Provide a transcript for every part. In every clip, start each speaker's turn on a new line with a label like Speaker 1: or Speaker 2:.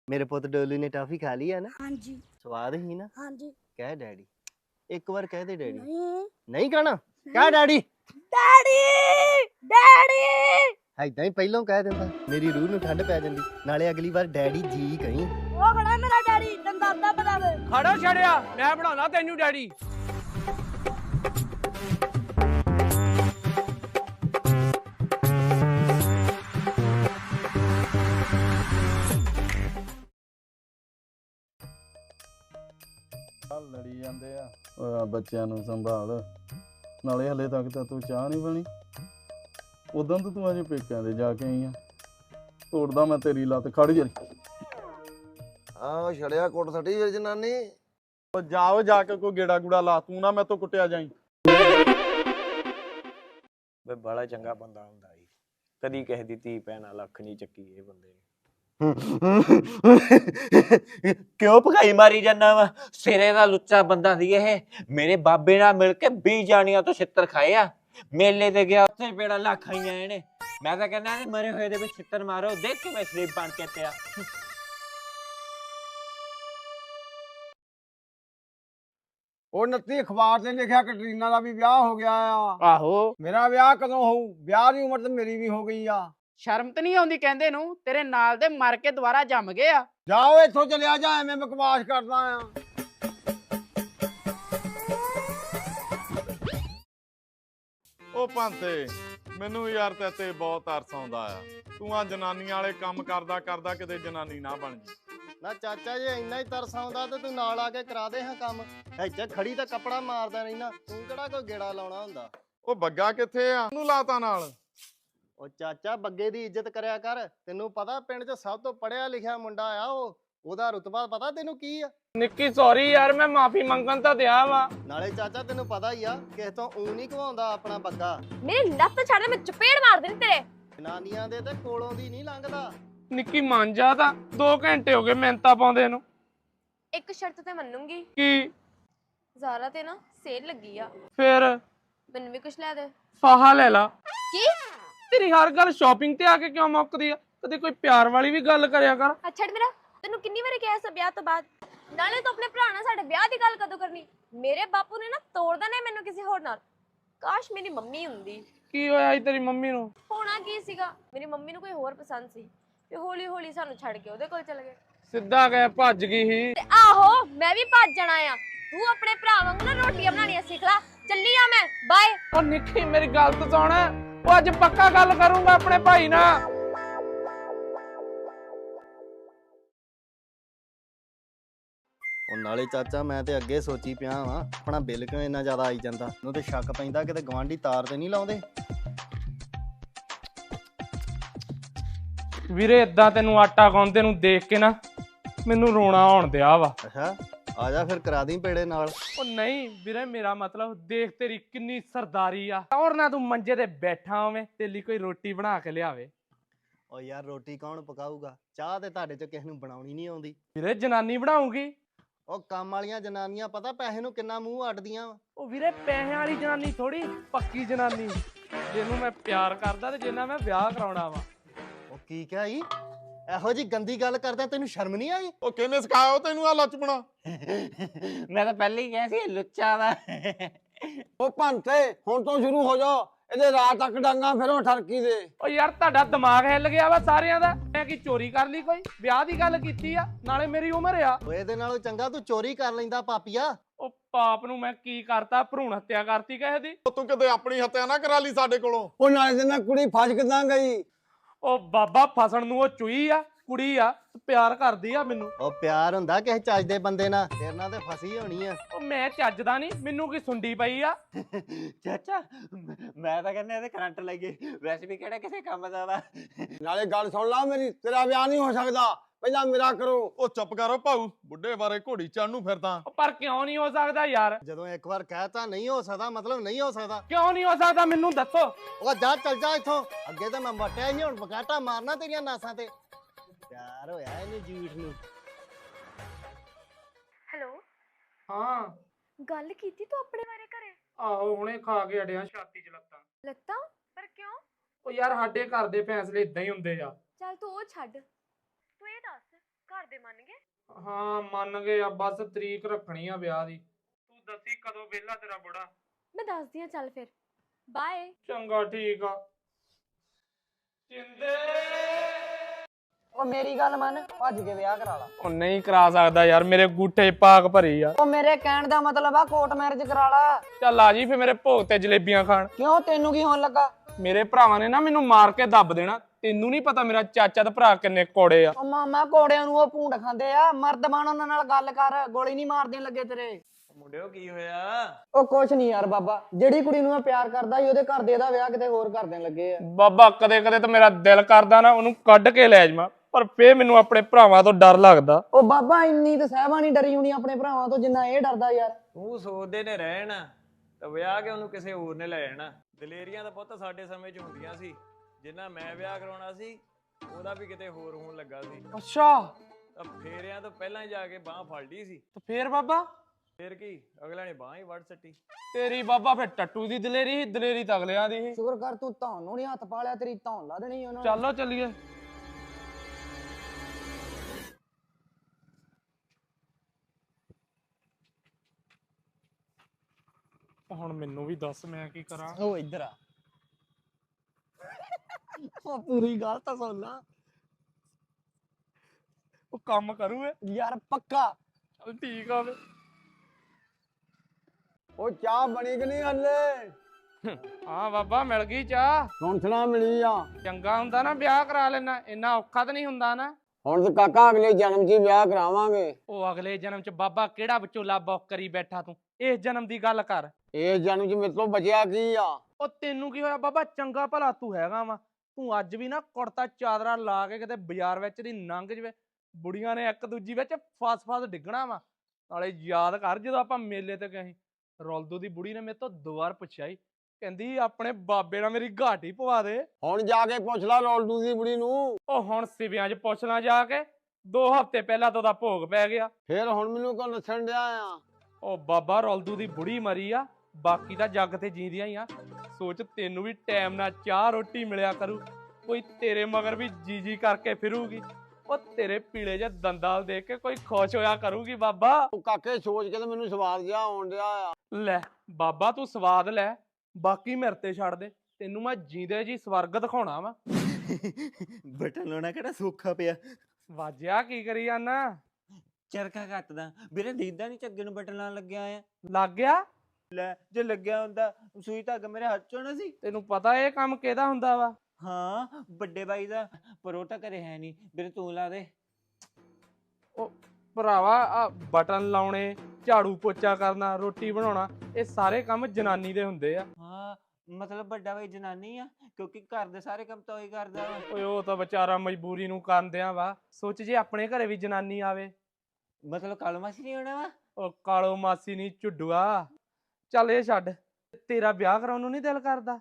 Speaker 1: मेरे पुत डोलू ने टॉफी खा ली है ना?
Speaker 2: हाँ जी।
Speaker 1: स्वाद ही ना?
Speaker 2: हाँ जी।
Speaker 1: कह डैडी, एक बार कह दे डैडी।
Speaker 2: नहीं।
Speaker 1: नहीं कहना? कह डैडी।
Speaker 2: डैडी डैडी
Speaker 1: ਏਦਾਂ ਹੀ ਪਹਿਲਾਂ ਕਹਿ ਦਿੰਦਾ ਮੇਰੀ ਰੂਹ ਨੂੰ ਠੰਡ ਪੈ ਜਾਂਦੀ ਨਾਲੇ ਅਗਲੀ ਵਾਰ ਡੈਡੀ ਜੀ ਕਹੀਂ।
Speaker 2: ਉਹ ਖੜਾ ਮੇਰਾ ਡੈਡੀ ਤੈਨੂੰ ਦੱਸਦਾ ਪਤਾ ਵੇ।
Speaker 3: ਖੜਾ ਛੜਿਆ ਮੈਂ ਬਣਾਉਣਾ ਤੈਨੂੰ ਡੈਡੀ।
Speaker 4: ਲੜੀ ਜਾਂਦੇ ਆ ਓਏ ਬੱਚਿਆਂ ਨੂੰ ਸੰਭਾਲ ਨਾਲੇ ਹਲੇ ਤੱਕ ਤਾਂ ਤੂੰ ਚਾਹ ਨਹੀਂ ਬਣੀ। ਉਦੋਂ ਤਾਂ ਤੂੰ ਅਜੇ ਪੇਕਿਆਂ ਦੇ ਜਾ ਕੇ ਆਈ ਆ। ਤੋੜਦਾ ਮੈਂ ਤੇਰੀ ਲੱਤ ਖੜ ਜਾ।
Speaker 5: ਆ ਛੜਿਆ ਕੁੱਟ ਸੱਟੀ ਜੇ ਜਨਾਨੀ।
Speaker 4: ਓ ਜਾਓ ਜਾ ਕੇ ਕੋਈ ਗੇੜਾ ਗੂੜਾ ਲਾ ਤੂੰ ਨਾ ਮੈਂ ਤੋਂ ਕੁੱਟਿਆ ਜਾਈ।
Speaker 3: ਵੇ ਬੜਾ ਚੰਗਾ ਬੰਦਾ ਹੁੰਦਾ ਈ ਕਦੀ ਕਿਸੇ ਦੀ ਧੀ ਭੈਣ ਨਾਲ ਅੱਖ ਨਹੀਂ ਚੱਕੀ ਇਹ ਬੰਦੇ ਨੇ। ਕਿਉਂ ਭਗਾਈ ਮਾਰੀ ਜਾਂਦਾ ਵਾ ਸਿਰੇ ਦਾ ਲੁੱਚਾ ਬੰਦਾ ਸੀ ਇਹ। ਮੇਰੇ ਬਾਬੇ ਨਾਲ ਮਿਲ ਕੇ 20 ਜਾਣੀਆਂ ਤੋਂ ਛਿੱਤਰ ਖਾਏ ਆ। ਮੇਲੇ ਤੇ ਗਿਆ ਉੱਥੇ ਪੇੜਾ ਲਾ ਖਾਈਆਂ ਇਹਨੇ। ਮੈਂ ਤਾਂ ਕਹਿੰਦਾ ਮਰੇ ਹੋਏ ਦੇ ਵੀ ਛਿੱਤਰ ਮਾਰੋ ਦੇਖ ਕੇ ਮੈਂ ਸ਼ਰੀਫ ਬਣ ਕੇ ਪਿਆ।
Speaker 6: ਉਹ 29 ਅਖਬਾਰ ਤੇ ਲਿਖਿਆ ਕੈਟਰੀਨਾ ਦਾ ਵੀ ਵਿਆਹ ਹੋ ਗਿਆ ਆ।
Speaker 3: ਆਹੋ
Speaker 6: ਮੇਰਾ ਵਿਆਹ ਕਦੋਂ ਹੋਊ? ਵਿਆਹ ਦੀ ਉਮਰ ਤੇ ਮੇਰੀ ਵੀ ਹੋ ਗਈ ਆ।
Speaker 7: ਸ਼ਰਮ ਤੇ ਨਹੀਂ ਆਉਂਦੀ ਕਹਿੰਦੇ ਨੂੰ? ਤੇਰੇ ਨਾਲ ਦੇ ਮਰ ਕੇ ਦੁਬਾਰਾ ਜੰਮ ਗਏ ਆ।
Speaker 6: ਜਾਓ ਇੱਥੋਂ ਚਲਿਆ ਜਾ ਐਵੇਂ ਬਕਵਾਸ ਕਰਦਾ ਆ।
Speaker 4: ਓ ਪੰਤੇ ਮੈਨੂੰ ਯਾਰ ਤੇ ਬਹੁਤ ਤਰਸ ਆਉਂਦਾ ਆ। ਤੂੰ ਆ ਜਨਾਨੀਆਂ ਵਾਲੇ ਕੰਮ ਕਰਦਾ ਕਰਦਾ ਕਿਤੇ ਜਨਾਨੀ ਨਾ ਬਣ ਜੀ।
Speaker 1: ਨਾ ਚਾਚਾ ਜੇ ਇੰਨਾ ਹੀ ਤਰਸ ਆਉਂਦਾ ਤੇ ਤੂੰ ਨਾਲ ਆ ਕੇ ਕਰਾ ਦੇ ਹਾਂ ਕੰਮ। ਇੱਥੇ ਖੜੀ ਤਾਂ ਕੱਪੜਾ ਮਾਰਦਾ ਰਹਿਣਾ ਤੂੰ ਕਿਹੜਾ ਕੋਈ ਗੇੜਾ ਲਾਉਣਾ ਹੁੰਦਾ।
Speaker 4: ਉਹ ਬੱਗਾ ਕਿੱਥੇ ਆ? ਉਹਨੂੰ ਲਾਤਾ ਨਾਲ।
Speaker 1: ਉਹ ਚਾਚਾ ਬੱਗੇ ਦੀ ਇੱਜ਼ਤ ਕਰਿਆ ਕਰ। ਤੈਨੂੰ ਪਤਾ ਪਿੰਡ 'ਚ ਸਭ ਤੋਂ ਪੜ੍ਹਿਆ ਲਿਖਿਆ ਮੁੰਡਾ ਆ ਉਹ। ਉਹਦਾ ਰੁਤਬਾ ਪਤਾ ਤੈਨੂੰ ਕੀ ਆ?
Speaker 3: ਨਿੱਕੀ ਸੌਰੀ ਯਾਰ ਮੈਂ ਮਾਫੀ ਮੰਗਣ ਤਾਂ ਦਿਆ ਵਾ।
Speaker 1: ਨਾਲੇ ਚਾਚਾ ਤੈਨੂੰ ਪਤਾ ਹੀ ਆ ਕਿਸੇ ਤੋਂ ਊਂ ਨਹੀਂ ਘਵਾਉਂਦਾ ਆਪਣਾ ਬੱਗਾ।
Speaker 2: ਮੇਰੀ ਲੱਤ ਛੱਡ ਦੇ ਮੈਂ ਚਪੇੜ ਮਾਰ ਦੇਣੀ ਤੇਰੇ।
Speaker 1: ਜਨਾਨੀਆਂ ਦੇ ਤੇ ਕੋਲੋਂ ਦੀ ਨਹੀਂ ਲੰਘਦਾ।
Speaker 3: ਨਿੱਕੀ ਮੰਨ ਜਾ ਤਾਂ 2 ਘੰਟੇ ਹੋ ਗਏ ਮਿਹਨਤਾਂ ਪਾਉਂਦੇ ਨੂੰ।
Speaker 8: ਇੱਕ ਸ਼ਰਤ ਤੇ ਮੰਨੂੰਗੀ।
Speaker 3: ਕੀ?
Speaker 8: ਜ਼ਾਰਾ ਤੇ ਨਾ ਸੇਲ ਲੱਗੀ ਆ
Speaker 3: ਫਿਰ
Speaker 8: ਮੈਨੂੰ ਵੀ ਕੁਝ ਲੈ ਦੇ।
Speaker 3: ਫਾਹਾ ਲੈ ਲਾ।
Speaker 8: ਕੀ?
Speaker 3: ਤੇਰੀ ਹਰ ਗੱਲ ਸ਼ਾਪਿੰਗ ਤੇ ਆ ਕੇ ਕਿਉਂ ਮੁੱਕਦੀ ਆ? ਕਦੇ ਕੋਈ ਪਿਆਰ ਵਾਲੀ ਵੀ ਗੱਲ ਕਰਿਆ ਕਰ।
Speaker 8: ਛੱਡ ਮੇਰਾ। ਤੈਨੂੰ ਕਿੰਨੀ ਵਾਰੀ ਕਿਹਾ ਸੀ ਵਿਆਹ ਤੋਂ ਬਾਅਦ? ਨਾਲੇ ਤੂੰ ਆਪਣੇ ਭਰਾ ਨਾਲ ਸਾਡੇ ਵਿਆਹ ਦੀ ਗੱਲ ਕਦੋਂ ਕਰਨੀ? ਮੇਰੇ ਬਾਪੂ ਨੇ ਨਾ ਤੋੜ ਦੇਣਾ ਮੈਨੂੰ ਕਿਸੇ ਹੋਰ ਨਾਲ। ਕਾਸ਼ ਮੇਰੀ ਮੰਮੀ ਹੁੰਦੀ।
Speaker 3: ਕੀ ਹੋਇਆ ਈ ਤੇਰੀ ਮੰਮੀ ਨੂੰ?
Speaker 8: ਹੋਣਾ ਕੀ ਸੀਗਾ, ਮੇਰੀ ਮੰਮੀ ਨੂੰ ਕੋਈ ਹੋਰ ਪਸੰਦ ਸੀ ਤੇ ਹੌਲੀ ਹੌਲੀ ਸਾਨੂੰ ਛੱਡ ਕੇ ਉਹਦੇ ਕੋਲ ਚਲੇ ਗਏ।
Speaker 3: ਸਿੱਧਾ ਗਏ ਭੱਜ ਗਈ ਸੀ।
Speaker 8: ਤੇ ਆਹੋ ਮੈਂ ਵੀ ਭੱਜ ਜਾਣਾ ਆ। ਤੂੰ ਆਪਣੇ ਭਰਾ ਵਾਂਗੂ ਨਾ ਰੋਟੀਆਂ ਬਣਾਉਣੀਆਂ ਸਿੱਖ ਲੈ। ਚੱਲੀ ਆ ਮੈਂ, ਬਾਏ।
Speaker 3: ਉਹ ਨਿੱਕੀ ਮੇਰੀ ਗੱਲ ਤਾਂ ਸੁਣ। ਉਹ ਅੱਜ ਪੱਕਾ ਗੱਲ ਕਰੂੰਗਾ ਆਪਣੇ ਭਾਈ ਨਾਲ।
Speaker 1: ਉਹ ਨਾਲੇ ਚਾਚਾ ਮੈਂ ਤੇ ਅੱਗੇ ਸੋਚੀ ਪਿਆ ਵਾਂ ਆਪਣਾ ਬਿੱਲ ਕਿਉਂ ਇੰਨਾ ਜ਼ਿਆਦਾ ਆਈ ਜਾਂਦਾ। ਉਹਨੂੰ ਤੇ ਸ਼ੱਕ ਪੈਂਦਾ ਕਿਤੇ ਗਵਾਂਢੀ ਤਾਰ ਤੇ ਨਹੀਂ ਲਾਉਂਦੇ।
Speaker 3: ਵੀਰੇ ਏਦਾਂ ਤੈਨੂੰ ਆਟਾ ਗੁੰਨਦੇ ਨੂੰ ਦੇਖ ਕੇ ਨਾ ਮੈਨੂੰ ਰੋਣਾ ਆਉਣ ਦਿਆ ਵਾ।
Speaker 1: ਅੱਛਾ ਆ ਜਾ ਫਿਰ ਕਰਾ ਦੀ ਪੇੜੇ ਨਾਲ।
Speaker 3: ਉਹ ਨਹੀਂ ਵੀਰੇ ਮੇਰਾ ਮਤਲਬ ਦੇਖ ਤੇਰੀ ਕਿੰਨੀ ਸਰਦਾਰੀ ਆ। ਔਰ ਨਾ ਤੂੰ ਮੰਜੇ ਤੇ ਬੈਠਾ ਹੋਵੇਂ ਤੇਰੇ ਲਈ ਕੋਈ ਰੋਟੀ ਬਣਾ ਕੇ ਲਿਆਵੇ।
Speaker 1: ਓ ਯਾਰ ਰੋਟੀ ਕੌਣ ਪਕਾਊਗਾ? ਚਾਹ ਤੇ ਤੁਹਾਡੇ ਚ ਕਿਸੇ ਨੂੰ ਬਣਾਉਣੀ ਨਹੀਂ ਆਉਂਦੀ।
Speaker 3: ਵੀਰੇ ਜਨਾਨੀ ਬਣਾਉਂਗੀ।
Speaker 1: ਉਹ ਕੰਮ ਵਾਲੀਆਂ ਜਨਾਨੀਆਂ ਪਤਾ ਪੈਸੇ ਨੂੰ ਕਿੰਨਾ ਮੂੰਹ ਅੱਡਦੀਆਂ ਵਾ।
Speaker 3: ਉਹ ਵੀਰੇ ਪੈਸਿਆਂ ਵਾਲੀ ਜਨਾਨੀ ਥੋੜੀ ਪੱਕੀ ਜਨਾਨੀ ਜਿਹਨੂੰ ਮੈਂ ਪਿਆਰ ਕਰਦਾ ਤੇ ਜਿਹਨਾਂ ਮੈਂ ਵਿਆਹ ਕਰਾਉਣਾ ਵਾ।
Speaker 1: ਉਹ ਕੀ ਕਿਹਾ ਜੀ? ਇਹੋ ਜੀ ਗੰਦੀ ਗੱਲ ਕਰਦਾ ਤੈਨੂੰ ਸ਼ਰਮ ਨਹੀਂ ਆਈ?
Speaker 4: ਉਹ ਕਿਹਨੇ ਸਿਖਾਇਆ ਤੈਨੂੰ ਆ ਲੱਚਪਣਾ?
Speaker 3: ਮੈਂ ਤਾਂ ਪਹਿਲਾਂ ਹੀ ਕਿਹਾ ਸੀ ਲੁੱਚਾ ਵਾ।
Speaker 6: ਉਹ ਭੰਤੇ ਹੁਣ ਤੋਂ ਸ਼ੁਰੂ ਹੋ ਜਾ। ਇਹਦੇ ਰਾਤ ਤੱਕ ਡਾਂਗਾ ਫਿਰੋ ਠਰਕੀ ਦੇ।
Speaker 3: ਉਹ ਯਾਰ ਤੁਹਾਡਾ ਦਿਮਾਗ ਹਿੱਲ ਗਿਆ ਵਾ ਸਾਰਿਆਂ ਦਾ। ਮੈਂ ਕੀ ਚੋਰੀ ਕਰ ਲਈ ਕੋਈ? ਵਿਆਹ ਦੀ ਗੱਲ ਕੀਤੀ ਆ ਨਾਲੇ ਮੇਰੀ ਉਮਰ ਆ।
Speaker 1: ਓਏ ਇਹਦੇ ਨਾਲੋਂ ਚੰਗਾ ਤੂੰ ਚੋਰੀ ਕਰ ਲੈਂਦਾ ਪਾਪੀਆ।
Speaker 3: ਉਹ ਪਾਪ ਨੂੰ ਮੈਂ ਕੀ ਕਰਤਾ? ਭਰੂਣ ਹੱਤਿਆ ਕਰਤੀ ਕਿਸੇ ਦੀ।
Speaker 4: ਉਹ ਤੂੰ ਕਿਤੇ ਆਪਣੀ ਹੱਤਿਆ ਨਾ ਕਰਾ ਲਈ ਸਾਡੇ ਕੋਲੋਂ।
Speaker 6: ਉਹ ਨਾਲੇ ਦੇ ਨਾਲ ਕੁੜੀ ਫਸ ਕਿੱਦਾਂ ਗਈ?
Speaker 3: ਉਹ ਬਾਬਾ ਫਸਣ ਨੂੰ ਉਹ ਚੂਈ ਆ ਕੁੜੀ ਆ ਪਿਆਰ ਕਰਦੀ ਆ ਮੈਨੂੰ।
Speaker 1: ਉਹ ਪਿਆਰ ਹੁੰਦਾ ਕਿਸੇ ਚੱਜ ਦੇ ਬੰਦੇ ਨਾਲ। ਤੇਰੇ ਨਾਲ ਤੇ ਫਸੀ ਹੋਣੀ ਆ।
Speaker 3: ਉਹ ਮੈਂ ਚੱਜਦਾ ਨਹੀਂ ਮੈਨੂੰ ਕੀ ਸੁੰਡੀ ਪਈ ਆ।
Speaker 7: ਚਾਚਾ ਮੈਂ ਤਾਂ ਕਹਿੰਦਾ ਇਹਦੇ ਕਰੰਟ ਲੱਗੇ। ਵੈਸੇ ਵੀ ਕਿਹੜਾ ਕਿਸੇ ਕੰਮ ਦਾ ਵਾ।
Speaker 6: ਨਾਲੇ ਗੱਲ ਸੁਣ ਲਾ ਮੇਰੀ, ਤੇਰਾ ਵਿਆਹ ਨਹੀਂ ਹੋ ਸਕਦਾ। ਪਹਿਲਾਂ ਮੇਰਾ ਕਰੋ।
Speaker 4: ਉਹ ਚੁੱਪ ਕਰੋ ਭਾਊ ਬੁੱਢੇ ਬਾਰੇ ਘੋੜੀ ਚੜਨ ਨੂੰ ਫਿਰਦਾ।
Speaker 3: ਪਰ ਕਿਉਂ ਨਹੀਂ ਹੋ ਸਕਦਾ ਯਾਰ?
Speaker 1: ਜਦੋਂ ਇੱਕ ਵਾਰ ਕਹਿਤਾ ਨਹੀਂ ਹੋ ਸਕਦਾ ਮਤਲਬ ਨਹੀਂ ਹੋ ਸਕਦਾ।
Speaker 3: ਕਿਉਂ ਨਹੀਂ ਹੋ ਸਕਦਾ ਮੈਨੂੰ ਦੱਸੋ।
Speaker 1: ਉਹ ਜਾ ਚੱਲ ਜਾ ਇੱਥੋਂ। ਅੱਗੇ ਤਾਂ ਮੈਂ ਵਟਿਆ ਹੀ ਹੁਣ ਬਕਾਟਾ ਮਾਰਨਾ ਤੇਰੀਆਂ ਨਾਸਾਂ ਤੇ। ਪਿਆਰ ਹੋਇਆ ਇਹਨੂੰ ਝੂਠ ਨੂੰ।
Speaker 8: ਹੈਲੋ
Speaker 3: ਹਾਂ
Speaker 8: ਗੱਲ ਕੀਤੀ ਤੂੰ ਆਪਣੇ ਬਾਰੇ ਘਰੇ?
Speaker 3: ਆਹੋ ਹੁਣੇ ਖਾ ਕੇ ਅੜਿਆ ਛਾਤੀ 'ਚ ਲੱਤਾਂ।
Speaker 8: ਲੱਤਾਂ? ਪਰ ਕਿਉਂ?
Speaker 3: ਉਹ ਯਾਰ ਸਾਡੇ ਘਰ ਦੇ ਫੈਸਲੇ ਇਦਾਂ ਹੀ ਹੁੰਦੇ ਆ।
Speaker 8: ਚੱਲ ਤੂੰ ਉਹ ਛੱਡ। ਤੂੰ ਇਹ ਦੱਸ ਘਰ ਦੇ ਮੰਨ ਗਏ?
Speaker 9: ਹਾਂ ਮੰਨ ਗਏ ਆ, ਬਸ ਤਰੀਕ ਰੱਖਣੀ ਆ ਵਿਆਹ ਦੀ। ਤੂੰ ਦੱਸੀ ਕਦੋਂ ਵਿਹਲਾ ਤੇਰਾ ਬੁੜਾ।
Speaker 8: ਮੈਂ ਦੱਸਦੀ ਆ, ਚੱਲ ਫਿਰ ਬਾਏ।
Speaker 9: ਚੰਗਾ ਠੀਕ ਆ। ਜਿੰਦੇ
Speaker 6: ਉਹ ਮੇਰੀ ਗੱਲ ਮੰਨ, ਭੱਜ ਕੇ ਵਿਆਹ ਕਰਾ ਲਾ।
Speaker 9: ਉਹ ਨਹੀਂ ਕਰਾ ਸਕਦਾ ਯਾਰ, ਮੇਰੇ ਗੂਠੇ ਪਾਕ ਭਰੀ ਆ।
Speaker 6: ਉਹ ਮੇਰੇ ਕਹਿਣ ਦਾ ਮਤਲਬ ਆ ਕੋਰਟ ਮੈਰਿਜ ਕਰਾ ਲਾ।
Speaker 9: ਚੱਲ ਆ ਜੀ ਫੇ ਮੇਰੇ ਭੋਗ ਤੇ ਜਲੇਬੀਆਂ ਖਾਣ।
Speaker 6: ਕਿਉਂ, ਤੈਨੂੰ ਕੀ ਹੋਣ ਲੱਗਾ?
Speaker 9: ਮੇਰੇ ਭਰਾਵਾਂ ਨੇ ਨਾ ਮੈਨੂੰ ਮਾਰ ਕੇ ਦੱਬ ਦੇਣਾ। ਤੈਨੂੰ ਨਹੀਂ ਪਤਾ ਮੇਰਾ ਚਾਚਾ ਤੇ ਭਰਾ ਕਿੰਨੇ ਕੋੜੇ ਆ।
Speaker 6: ਉਹ ਮਾਮਾ ਕੋੜਿਆਂ ਨੂੰ ਉਹ ਭੂੰਡ ਖਾਂਦੇ ਆ, ਮਰਦ ਬਣ ਉਹਨਾਂ ਨਾਲ ਗੱਲ ਕਰ, ਗੋਲੀ ਨਹੀਂ ਮਾਰਦੇ ਲੱਗੇ ਤੇਰੇ।
Speaker 7: ਮੁੰਡਿਓ ਕੀ ਹੋਇਆ?
Speaker 6: ਉਹ ਕੁਛ ਨਹੀਂ ਯਾਰ ਬਾਬਾ, ਜਿਹੜੀ ਕੁੜੀ ਨੂੰ ਮੈਂ ਪਿਆਰ ਕਰਦਾ ਸੀ ਉਹਦੇ ਘਰ ਦੇ ਇਹਦਾ ਵਿਆਹ ਕਿਤੇ ਹੋਰ ਕਰ ਦੇਣ ਲੱਗੇ ਆ।
Speaker 9: ਬਾਬਾ ਕਦੇ ਕਦੇ ਤਾਂ ਮੇਰਾ ਦਿਲ ਕਰਦਾ ਨਾ ਉਹਨੂੰ ਕੱਢ ਕੇ ਲੈ ਜਾਵਾਂ, ਪਰ ਫੇਰ ਮੈਨੂੰ ਆਪਣੇ ਭਰਾਵਾਂ ਤੋਂ ਡਰ ਲੱਗਦਾ।
Speaker 6: ਉਹ ਬਾਬਾ ਇੰਨੀ ਤਾਂ ਸਹਿਬਾ ਨਹੀਂ ਡਰੀ ਹੋਣੀ ਆਪਣੇ ਭਰਾਵਾਂ ਤੋਂ ਜਿੰਨਾ ਇਹ ਡਰਦਾ ਯਾਰ।
Speaker 7: ਤੂੰ ਸੋਚਦੇ ਨੇ ਰਹਿਣਾ ਤਾਂ ਵਿਆਹ ਕੇ ਉਹਨੂੰ ਕਿਸੇ ਹੋਰ ਨੇ ਲੈ ਜਾਣਾ। ਦਲੇਰੀਆਂ ਦਾ ਪੁੱਤ ਸਾਡੇ ਸਮੇਂ 'ਚ ਹੁੰਦੀਆਂ ਸੀ। ਜਿੰਨਾ ਮੈਂ ਵਿਆਹ ਕਰਾਉਣਾ ਸੀ ਉਹਦਾ ਵੀ ਕਿਤੇ ਹੋਰ ਹੋਣ ਲੱਗਾ ਸੀ।
Speaker 9: ਅੱਛਾ
Speaker 7: ਤਾਂ ਫੇਰਿਆਂ ਤੋਂ ਪਹਿਲਾਂ ਹੀ ਜਾ ਕੇ ਬਾਹ ਫੜ ਲਈ ਸੀ।
Speaker 9: ਤੇ ਫੇਰ ਬਾਬਾ?
Speaker 7: ਫੇਰ ਕੀ, ਅਗਲਿਆਂ ਨੇ ਬਾਹ ਹੀ ਵੱਢ ਸੱਟੀ।
Speaker 9: ਤੇਰੀ ਬਾਬਾ ਫੇਰ ਟੱਟੂ ਦੀ ਦਲੇਰੀ, ਦਲੇਰੀ ਤਾਂ ਅਗਲਿਆਂ ਦੀ ਸੀ।
Speaker 6: ਸ਼ੁਕਰ ਕਰ ਤੂੰ ਤੁਹਾਨੂੰ ਨਹੀਂ ਹੱਥ ਪਾ ਲਿਆ, ਤੇਰੀ ਧੌਣ ਲਾ ਦੇਣੀ ਉਹਨਾਂ ਨੇ।
Speaker 9: ਚੱਲੋ ਚੱਲੀਏ। ਹੁਣ ਮੈਨੂੰ ਵੀ ਦੱਸ ਮੈਂ ਕੀ ਕਰਾਂ।
Speaker 6: ਉਹ ਇੱਧਰ ਆ। ਉਹ ਪੂਰੀ ਗੱਲ ਤਾਂ ਸੁਣ ਲਾ
Speaker 9: ਉਹ ਕੰਮ ਕਰੂ ਏ
Speaker 6: ਯਾਰ, ਪੱਕਾ।
Speaker 9: ਚੱਲ ਠੀਕ ਆ ਵੇ।
Speaker 6: ਉਹ ਚਾਹ ਬਣੀ ਕਿ ਨਹੀਂ ਹੱਲੇ?
Speaker 9: ਹਾਂ ਬਾਬਾ ਮਿਲ ਗਈ ਚਾਹ।
Speaker 6: ਹੁਣ ਸੁਣਾ ਮਿਲੀ ਆ।
Speaker 9: ਚੰਗਾ ਹੁੰਦਾ ਨਾ ਵਿਆਹ ਕਰਾ ਲੈਣਾ, ਇੰਨਾ ਔਖਾ ਤਾਂ ਨਹੀਂ ਹੁੰਦਾ ਨਾ।
Speaker 6: ਹੁਣ ਤੇ ਕਾਕਾ ਅਗਲੇ ਜਨਮ 'ਚ ਹੀ ਵਿਆਹ ਕਰਾਵਾਂਗੇ।
Speaker 9: ਉਹ ਅਗਲੇ ਜਨਮ ਚ ਬਾਬਾ ਕਿਹੜਾ ਵਿਚੋਲਾ ਬੌਕ ਕਰੀ ਬੈਠਾ ਤੂੰ, ਇਸ ਜਨਮ ਦੀ ਗੱਲ ਕਰ।
Speaker 6: ਇਹ ਜਨਮ 'ਚ ਮੇਰੇ ਤੋਂ ਬਚਿਆ ਕੀ ਆ?
Speaker 9: ਉਹ ਤੈਨੂੰ ਕੀ ਹੋਇਆ ਬਾਬਾ, ਚੰਗਾ ਭਲਾ ਤੂੰ ਹੈਗਾ ਵਾ। ਤੂੰ ਅੱਜ ਵੀ ਨਾ ਕੁੜਤਾ ਚਾਦਰਾ ਲਾ ਕੇ ਕਿਤੇ ਬਾਜ਼ਾਰ ਵਿੱਚ ਦੀ ਲੰਘ ਜਵੇ, ਬੁੜੀਆਂ ਨੇ ਇੱਕ ਦੂਜੀ ਵਿੱਚ ਫਸ ਡਿੱਗਣਾ ਵਾ। ਨਾਲੇ ਯਾਦ ਕਰ ਜਦੋਂ ਆਪਾਂ ਮੇਲੇ ਤੇ ਗਏ, ਰੌਲਦੂ ਦੀ ਬੁੜੀ ਨੇ ਮੇਰੇ ਤੋਂ 2 ਵਾਰ ਪੁੱਛਿਆ ਸੀ, ਕਹਿੰਦੀ ਆਪਣੇ ਬਾਬੇ ਨਾਲ ਮੇਰੀ ਘਾਟੀ ਪਵਾ ਦੇ।
Speaker 6: ਹੁਣ ਜਾ ਕੇ ਪੁੱਛ ਲਾ ਰੌਲਦੂ ਦੀ ਬੁੜੀ ਨੂੰ।
Speaker 9: ਉਹ ਹੁਣ ਸਿਵਿਆਂ 'ਚ ਪੁੱਛ ਲਾਂ ਜਾ ਕੇ, 2 ਹਫ਼ਤੇ ਪਹਿਲਾਂ ਤਾਂ ਉਹਦਾ ਭੋਗ ਪੈ ਗਿਆ।
Speaker 6: ਫੇਰ ਹੁਣ ਮੈਨੂੰ ਕੋ ਨੱਸਣ ਡਿਆ ਆ?
Speaker 9: ਉਹ ਬਾਬਾ ਰੌਲਦੂ ਦੀ ਬੁੜੀ ਮਰੀ ਆ, ਬਾਕੀ ਤਾਂ ਜੱਗ ਤੇ ਜੀਂਦੀਆਂ ਹੀ ਆ। ਸੋਚ ਤੈਨੂੰ ਵੀ ਟਾਈਮ ਨਾਲ ਚਾਹ ਰੋਟੀ ਮਿਲਿਆ ਕਰੂ, ਕੋਈ ਤੇਰੇ ਮਗਰ ਵੀ ਜੀ ਕਰਕੇ ਫਿਰੂਗੀ। ਉਹ ਤੇਰੇ ਪੀਲੇ ਜਿਹੇ ਦੰਦਾਲ ਦੇਖ ਕੇ ਕੋਈ ਖੁਸ਼ ਹੋਇਆ ਕਰੂਗੀ ਬਾਬਾ।
Speaker 6: ਤੂੰ ਕਾਕੇ ਸੋਚ ਕੇ ਤੇ ਮੈਨੂੰ ਸਵਾਦ ਜਿਹਾ ਆਉਣ ਡਿਆ ਆ।
Speaker 9: ਲੈ ਬਾਬਾ ਤੂੰ ਸਵਾਦ ਲੈ, ਬਾਕੀ ਮੇਰੇ ਤੇ ਛੱਡ ਦੇ, ਤੈਨੂੰ ਮੈਂ ਜੀਂਦੇ ਜੀ ਸਵਰਗ ਦਿਖਾਉਣਾ ਵਾ।
Speaker 1: ਬਟਨ ਲਾਉਣਾ ਕਿਹੜਾ ਸੌਖਾ ਪਿਆ।
Speaker 9: ਵਾਜਿਆ ਕੀ ਕਰੀ ਜਾਨਾ?
Speaker 7: ਚਰਖਾ ਕੱਤਦਾ ਵੀਰੇ, ਦੀਦਾ ਨਹੀਂ ਝੱਗੇ ਨੂੰ ਬਟਨ ਲਾਉਣ ਲੱਗਿਆ ਆ।
Speaker 9: ਲੱਗ ਗਿਆ?
Speaker 7: ਲੈ ਜੇ ਲੱਗਿਆ ਹੁੰਦਾ ਸੂਈ ਧਾਗਾ ਮੇਰੇ ਹੱਥ 'ਚ ਹੋਣਾ ਸੀ।
Speaker 9: ਤੈਨੂੰ ਪਤਾ ਇਹ ਕੰਮ ਕਿਹਦਾ ਹੁੰਦਾ ਵਾ?
Speaker 7: ਹਾਂ ਵੱਡੇ ਬਾਈ ਦਾ, ਪਰ ਉਹ ਤਾਂ ਘਰੇ ਹੈ ਨਹੀਂ। ਵੀਰੇ ਤੂੰ ਲਾ ਦੇ।
Speaker 9: ਉਹ ਭਰਾਵਾ ਆ ਬਟਨ ਲਾਉਣੇ, ਝਾੜੂ ਪੋਚਾ ਕਰਨਾ, ਰੋਟੀ ਬਣਾਉਣਾ, ਇਹ ਸਾਰੇ ਕੰਮ ਜਨਾਨੀ ਦੇ ਹੁੰਦੇ ਆ।
Speaker 7: ਹਾਂ ਮਤਲਬ ਵੱਡਾ ਬਾਈ ਜਨਾਨੀ ਆ, ਕਿਉਂਕਿ ਘਰ ਦੇ ਸਾਰੇ ਕੰਮ ਤਾਂ ਉਹੀ ਕਰਦਾ ਵਾ।
Speaker 9: ਓਏ ਉਹ ਤਾਂ ਵਿਚਾਰਾ ਮਜਬੂਰੀ ਨੂੰ ਕਰਦਿਆਂ ਵਾ। ਸੋਚ ਜੇ ਆਪਣੇ ਘਰੇ ਵੀ ਜਨਾਨੀ ਆਵੇ।
Speaker 7: ਮਤਲਬ ਕਾਲੋ ਮਾਸੀ ਨਹੀਂ ਹੋਣਾ ਵਾ।
Speaker 9: ਉਹ ਕਾਲੋ ਮਾਸੀ ਨਹੀਂ ਝੁੱਡੂਆ। ਚੱਲ ਇਹ ਛੱਡ, ਤੇਰਾ ਵਿਆਹ ਕਰਾਉਣ ਨੂੰ ਨਹੀਂ ਦਿਲ ਕਰਦਾ?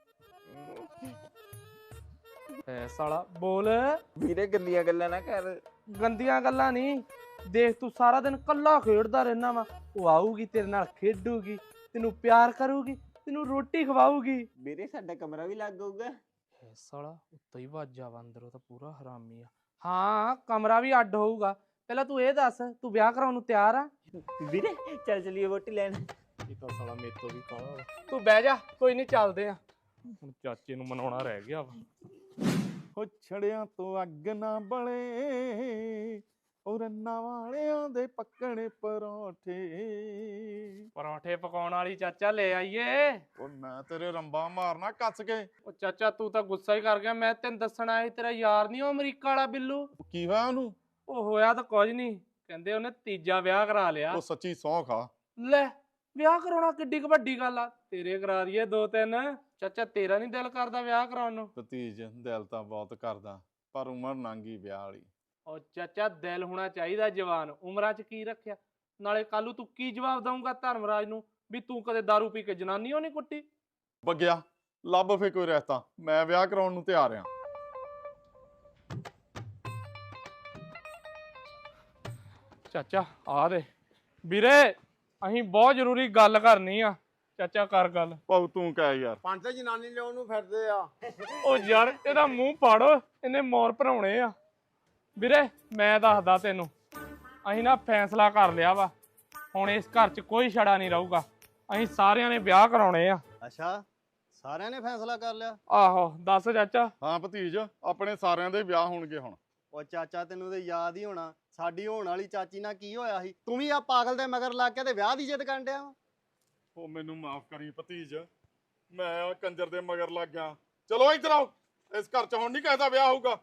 Speaker 9: ਐ ਸਾਲਾ ਬੋਲ।
Speaker 7: ਵੀਰੇ ਗੰਦੀਆਂ ਗੱਲਾਂ ਨਾ ਕਰ।
Speaker 9: ਗੰਦੀਆਂ ਗੱਲਾਂ ਨਹੀਂ, ਦੇਖ ਤੂੰ ਸਾਰਾ ਦਿਨ ਕੱਲਾ ਖੇਡਦਾ ਰਹਿਣਾ ਵਾ। ਉਹ ਆਊਗੀ ਤੇਰੇ ਨਾਲ ਖੇਡੂਗੀ, ਤੈਨੂੰ ਪਿਆਰ ਕਰੂਗੀ, ਤੈਨੂੰ ਰੋਟੀ ਖਵਾਊਗੀ।
Speaker 7: ਵੀਰੇ ਸਾਡਾ ਕਮਰਾ ਵੀ ਲੱਗ ਜਾਊਗਾ।
Speaker 9: ਐ ਸਾਲਾ ਉੱਤੋਂ ਹੀ ਵਾਜਾ ਵਾ, ਅੰਦਰੋਂ ਤਾਂ ਪੂਰਾ ਹਰਾਮੀ ਆ। ਹਾਂ ਕਮਰਾ ਵੀ ਅੱਡ ਹੋਊਗਾ। ਪਹਿਲਾਂ ਤੂੰ ਇਹ ਦੱਸ, ਤੂੰ ਵਿਆਹ ਕਰਾਉਣ ਨੂੰ ਤਿਆਰ ਆ?
Speaker 7: ਵੀਰੇ ਚੱਲ ਚਲੀਏ ਵੋਟੀ ਲੈਣ।
Speaker 9: ਇਹ ਤਾਂ ਸਾਲਾ ਮੇਰੇ ਤੋਂ ਵੀ ਕਾਲਾ ਵਾ। ਤੂੰ ਬਹਿ ਜਾ, ਕੋਈ ਨਹੀਂ ਚੱਲਦੇ ਆ। ਹੁਣ ਚਾਚੇ ਨੂੰ ਮਨਾਉਣਾ ਰਹਿ ਗਿਆ ਵਾ।
Speaker 4: ਹੋ ਛੜਿਆਂ ਤੋਂ ਅੱਗ ਨਾ ਬਲੇ, ਉਹ ਰੰਨਾਂ ਵਾਲਿਆਂ ਦੇ ਪੱਕਣੇ ਪਰੌਂਠੇ।
Speaker 9: ਪਰੌਂਠੇ ਪਕਾਉਣ ਵਾਲੀ ਚਾਚਾ ਲੈ ਆਈਏ।
Speaker 4: ਉਹ ਮੈਂ ਤੇਰੇ ਰੰਬਾ ਮਾਰਨਾ ਕੱਸ ਕੇ।
Speaker 9: ਉਹ ਚਾਚਾ ਤੂੰ ਤਾਂ ਗੁੱਸਾ ਹੀ ਕਰ ਗਿਆ। ਮੈਂ ਤੈਨੂੰ ਦੱਸਣ ਆਇਆ ਸੀ, ਤੇਰਾ ਯਾਰ ਨਹੀਂ ਉਹ ਅਮਰੀਕਾ ਵਾਲਾ ਬਿੱਲੂ।
Speaker 4: ਕੀ ਹੋਇਆ ਉਹਨੂੰ?
Speaker 9: ਉਹ ਹੋਇਆ ਤਾਂ ਕੁਝ ਨਹੀਂ, ਕਹਿੰਦੇ ਉਹਨੇ ਤੀਜਾ ਵਿਆਹ ਕਰਾ ਲਿਆ।
Speaker 4: ਉਹ ਸੱਚੀ ਸੌਂ ਖਾ।
Speaker 9: ਲੈ ਵਿਆਹ ਕਰਾਉਣਾ ਕਿੱਡੀ ਕੁ ਵੱਡੀ ਗੱਲ ਆ, ਤੇਰੇ ਕਰਾ ਦਈਏ 2-3। ਚਾਚਾ ਤੇਰਾ ਨਹੀਂ ਦਿਲ ਕਰਦਾ ਵਿਆਹ ਕਰਾਉਣ ਨੂੰ?
Speaker 4: ਭਤੀਜ ਦਿਲ ਤਾਂ ਬਹੁਤ ਕਰਦਾ, ਪਰ ਉਮਰ ਲੰਘੀ ਵਿਆਹ ਵਾਲੀ।
Speaker 9: ਉਹ ਚਾਚਾ ਦਿਲ ਹੋਣਾ ਚਾਹੀਦਾ ਜਵਾਨ, ਉਮਰਾਂ 'ਚ ਕੀ ਰੱਖਿਆ। ਨਾਲੇ ਕੱਲ ਨੂੰ ਤੂੰ ਕੀ ਜਵਾਬ ਦਊਂਗਾ ਧਰਮਰਾਜ ਨੂੰ ਵੀ ਤੂੰ ਕਦੇ ਦਾਰੂ ਪੀ ਕੇ ਜਨਾਨੀ ਓ ਨਹੀਂ ਕੁੱਟੀ?
Speaker 4: ਬੱਗਿਆ ਲੱਭ ਫੇ ਕੋਈ ਰਿਸ਼ਤਾ, ਮੈਂ ਵਿਆਹ ਕਰਾਉਣ ਨੂੰ ਤਿਆਰ ਆ।
Speaker 9: ਚਾਚਾ ਆ ਦੇ ਵੀਰੇ, ਅਸੀਂ ਬਹੁਤ ਜ਼ਰੂਰੀ ਗੱਲ ਕਰਨੀ ਆ। ਚਾਚਾ ਕਰ ਗੱਲ।
Speaker 4: ਪਾਉ ਤੂੰ ਕਹਿ ਯਾਰ।
Speaker 6: ਪੰਜ ਜਨਾਨੀ ਲਿਆਉਣ ਨੂੰ ਫਿਰਦੇ ਆ।
Speaker 9: ਉਹ ਯਾਰ ਇਹਦਾ ਮੂੰਹ ਪਾੜੋ, ਇਹਨੇ ਮੋਰ ਭਰਾਉਣੇ ਆ। ਵੀਰੇ ਮੈਂ ਦੱਸਦਾ ਤੈਨੂੰ, ਅਸੀਂ ਨਾ ਫੈਸਲਾ ਕਰ ਲਿਆ ਵਾ, ਹੁਣ ਇਸ ਘਰ 'ਚ ਕੋਈ ਛੜਾ ਨਹੀਂ ਰਹੂਗਾ। ਅਸੀਂ ਸਾਰਿਆਂ ਨੇ ਵਿਆਹ ਕਰਾਉਣੇ ਆ।
Speaker 1: ਅੱਛਾ, ਸਾਰਿਆਂ ਨੇ ਫੈਸਲਾ ਕਰ ਲਿਆ?
Speaker 9: ਆਹੋ ਦੱਸ ਚਾਚਾ।
Speaker 4: ਹਾਂ ਭਤੀਜ, ਆਪਣੇ ਸਾਰਿਆਂ ਦੇ ਵਿਆਹ ਹੋਣਗੇ ਹੁਣ।
Speaker 1: ਉਹ ਚਾਚਾ ਤੈਨੂੰ ਤੇ ਯਾਦ ਹੀ ਹੋਣਾ, ਸਾਡੀ ਹੋਣ ਵਾਲੀ ਚਾਚੀ ਨਾਲ ਕੀ ਹੋਇਆ ਸੀ। ਤੂੰ ਵੀ ਆ ਪਾਗਲ ਦੇ ਮਗਰ ਲੱਗ ਕੇ ਤੇ ਵਿਆਹ ਦੀ ਜਿੱਦ ਕਰਨ ਡਿਆ ਵਾ।
Speaker 4: ਉਹ ਮੈਨੂੰ ਮਾਫ ਕਰੀ ਭਤੀਜ, ਮੈਂ ਆ ਕੰਜਰ ਦੇ ਮਗਰ ਲੱਗ ਗਿਆ। ਚਲੋ ਇੱਧਰ ਆਓ, ਇਸ ਘਰ 'ਚ ਹੁਣ ਨਹੀਂ ਕਿਸੇ ਦਾ ਵਿਆਹ ਹੋਊਗਾ।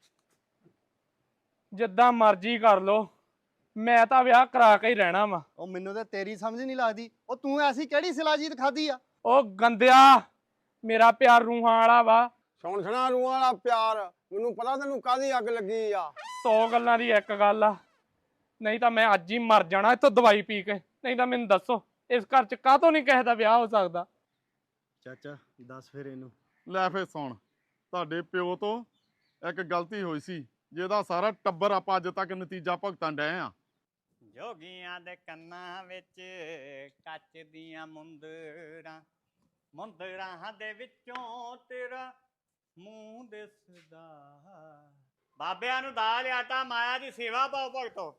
Speaker 9: ਜਿੱਦਾਂ ਮਰਜ਼ੀ ਕਰ ਲੋ, ਮੈਂ ਤਾਂ ਵਿਆਹ ਕਰਾ ਕੇ ਹੀ ਰਹਿਣਾ ਵਾ।
Speaker 1: ਉਹ ਮੈਨੂੰ ਤੇ ਤੇਰੀ ਸਮਝ ਨਹੀਂ ਲੱਗਦੀ, ਉਹ ਤੂੰ ਐਸੀ ਕਿਹੜੀ ਸਿਲਾਜੀਤ ਖਾਦੀ ਆ?
Speaker 9: ਉਹ ਗੰਦਿਆ, ਮੇਰਾ ਪਿਆਰ ਰੂਹਾਂ ਵਾਲਾ ਵਾ।
Speaker 6: ਸੁਣਾ ਰੂਹਾਂ ਵਾਲਾ ਪਿਆਰ, ਮੈਨੂੰ ਪਤਾ ਤੈਨੂੰ ਕਾਹਦੀ ਅੱਗ ਲੱਗੀ ਆ।
Speaker 9: 100 ਗੱਲਾਂ ਦੀ ਇੱਕ ਗੱਲ ਆ, ਨਹੀਂ ਤਾਂ ਮੈਂ ਅੱਜ ਹੀ ਮਰ ਜਾਣਾ ਇੱਥੋਂ ਦਵਾਈ ਪੀ ਕੇ। ਨਹੀਂ ਤਾਂ ਮੈਨੂੰ ਦੱਸੋ, ਇਸ ਘਰ 'ਚ ਕਾਹਤੋਂ ਨਹੀਂ ਕਿਸੇ ਦਾ ਵਿਆਹ ਹੋ ਸਕਦਾ?
Speaker 1: ਚਾਚਾ ਦੱਸ ਫਿਰ ਇਹਨੂੰ।
Speaker 4: ਲੈ ਫੇ ਸੁਣ, ਤੁਹਾਡੇ ਪਿਓ ਤੋਂ ਇੱਕ ਗਲਤੀ ਹੋਈ ਸੀ, ਜਿਹਦਾ ਸਾਰਾ ਟੱਬਰ ਆਪਾਂ ਅੱਜ ਤੱਕ ਨਤੀਜਾ ਭੁਗਤਣ ਡਏ ਆ।
Speaker 10: ਜੋਗੀਆਂ ਦੇ ਕੰਨਾਂ ਵਿੱਚ ਕੱਚ ਦੀਆਂ ਮੁੰਦਰਾਂ, ਮੁੰਦਰਾਂ ਦੇ ਵਿੱਚੋਂ ਤੇਰਾ ਮੂੰਹ ਦਿਸਦਾ। ਬਾਬਿਆਂ ਨੂੰ ਦਾਲ ਆਟਾ ਮਾਇਆ ਦੀ ਸੇਵਾ ਪਾਓ ਭਗਤੋ।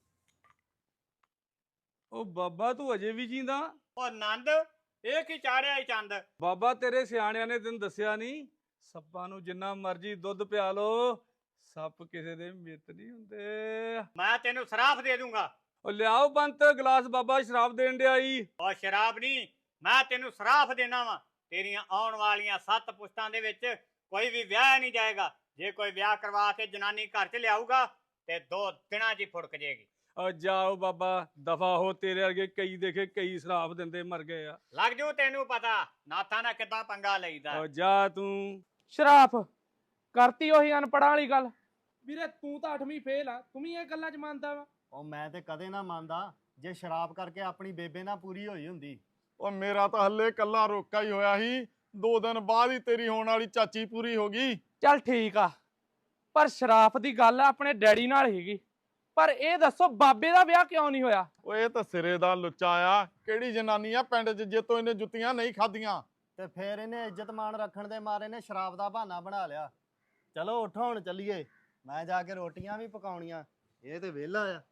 Speaker 11: ਉਹ ਬਾਬਾ ਤੂੰ ਅਜੇ ਵੀ ਜੀਂਦਾ?
Speaker 10: ਉਹ ਨੰਦ, ਇਹ ਕੀ ਚਾੜਿਆ ਈ ਚੰਦ?
Speaker 11: ਬਾਬਾ ਤੇਰੇ ਸਿਆਣਿਆਂ ਨੇ ਤੈਨੂੰ ਦੱਸਿਆ ਨਹੀਂ, ਸੱਪਾਂ ਨੂੰ ਜਿੰਨਾ ਮਰਜ਼ੀ ਦੁੱਧ ਪਿਆ ਲੋ, ਸੱਪ ਕਿਸੇ ਦੇ ਮਿੱਤ ਨਹੀਂ ਹੁੰਦੇ।
Speaker 10: ਮੈਂ ਤੈਨੂੰ ਸ਼ਰਾਫ ਦੇ ਦੂੰਗਾ।
Speaker 11: ਉਹ ਲਿਆਓ ਬੰਤ ਗਲਾਸ, ਬਾਬਾ ਸ਼ਰਾਬ ਦੇਣ ਡਿਆ ਈ।
Speaker 10: ਉਹ ਸ਼ਰਾਬ ਨਹੀਂ, ਮੈਂ ਤੈਨੂੰ ਸ਼ਰਾਫ ਦੇਣਾ ਵਾ। ਤੇਰੀਆਂ ਆਉਣ ਵਾਲੀਆਂ 7 ਪੁਸ਼ਤਾਂ ਦੇ ਵਿੱਚ ਕੋਈ ਵੀ ਵਿਆਹ ਨਹੀਂ ਜਾਏਗਾ। ਜੇ ਕੋਈ ਵਿਆਹ ਕਰਵਾ ਕੇ ਜਨਾਨੀ ਘਰ 'ਚ ਲਿਆਊਗਾ ਤੇ 2 ਦਿਨਾਂ 'ਚ ਹੀ ਫੁੜਕ ਜਾਏਗੀ।
Speaker 11: ਜਾਓ ਬਾਬਾ, ਦਫਾ ਹੋ, ਤੇਰੇ ਵਰਗੇ ਕਈ ਦੇਖੇ ਕਈ ਸ਼ਰਾਬ ਦਿੰਦੇ ਮਰ ਗਏ ਆ।
Speaker 10: ਲੱਗ ਜੂ ਤੈਨੂੰ ਪਤਾ ਨਾਥਾਂ ਨਾਲ ਕਿੱਦਾਂ ਪੰਗਾ ਲਈਦਾ।
Speaker 11: ਉਹ ਜਾ ਤੂੰ।
Speaker 9: ਸ਼ਰਾਫ ਕਰਤੀ ਉਹੀ ਅਨਪੜਾਂ ਵਾਲੀ ਗੱਲ। ਵੀਰੇ ਤੂੰ ਤਾਂ 8ਵੀਂ ਫੇਲ ਆ, ਤੂੰ ਵੀ ਇਹ ਗੱਲਾਂ 'ਚ ਮੰਨਦਾ ਵਾ?
Speaker 1: ਉਹ ਮੈਂ ਤੇ ਕਦੇ ਨਾ ਮੰਨਦਾ ਜੇ ਸ਼ਰਾਬ ਕਰਕੇ ਆਪਣੀ ਬੇਬੇ ਨਾਲ ਪੂਰੀ ਹੋਈ ਹੁੰਦੀ।
Speaker 4: ਉਹ ਮੇਰਾ ਤਾਂ ਹੱਲੇ ਕੱਲਾ ਰੋਕਾ ਹੀ ਹੋਇਆ ਸੀ, 2 ਦਿਨ ਬਾਅਦ ਹੀ ਤੇਰੀ ਹੋਣ ਵਾਲੀ ਚਾਚੀ ਪੂਰੀ ਹੋ ਗਈ।
Speaker 9: ਚੱਲ ਠੀਕ ਆ, ਪਰ ਸ਼ਰਾਫ ਦੀ ਗੱਲ ਆਪਣੇ ਡੈਡੀ ਨਾਲ ਹੀਗੀ। ਪਰ ਇਹ ਦੱਸੋ ਬਾਬੇ ਦਾ ਵਿਆਹ ਕਿਉਂ ਨਹੀਂ ਹੋਇਆ?
Speaker 4: ਉਹ ਇਹ ਤਾਂ ਸਿਰੇ ਦਾ ਲੁੱਚਾ ਆ। ਕਿਹੜੀ ਜਨਾਨੀ ਆ ਪਿੰਡ 'ਚ ਜੇ ਤੋਂ ਇਹਨੇ ਜੁੱਤੀਆਂ ਨਹੀਂ ਖਾਧੀਆਂ?
Speaker 1: ਤੇ ਫਿਰ ਇਹਨੇ ਇੱਜ਼ਤ ਮਾਣ ਰੱਖਣ ਦੇ ਮਾਰੇ ਨੇ ਸ਼ਰਾਬ ਦਾ ਬਹਾਨਾ ਬਣਾ ਲਿਆ। ਚਲੋ ਉੱਠੋ ਹੁਣ ਚੱਲੀਏ, ਮੈਂ ਜਾ ਕੇ ਰੋਟੀਆਂ ਵੀ ਪਕਾਉਣੀਆਂ। ਇਹ ਤੇ ਵਿਹਲਾ ਆ।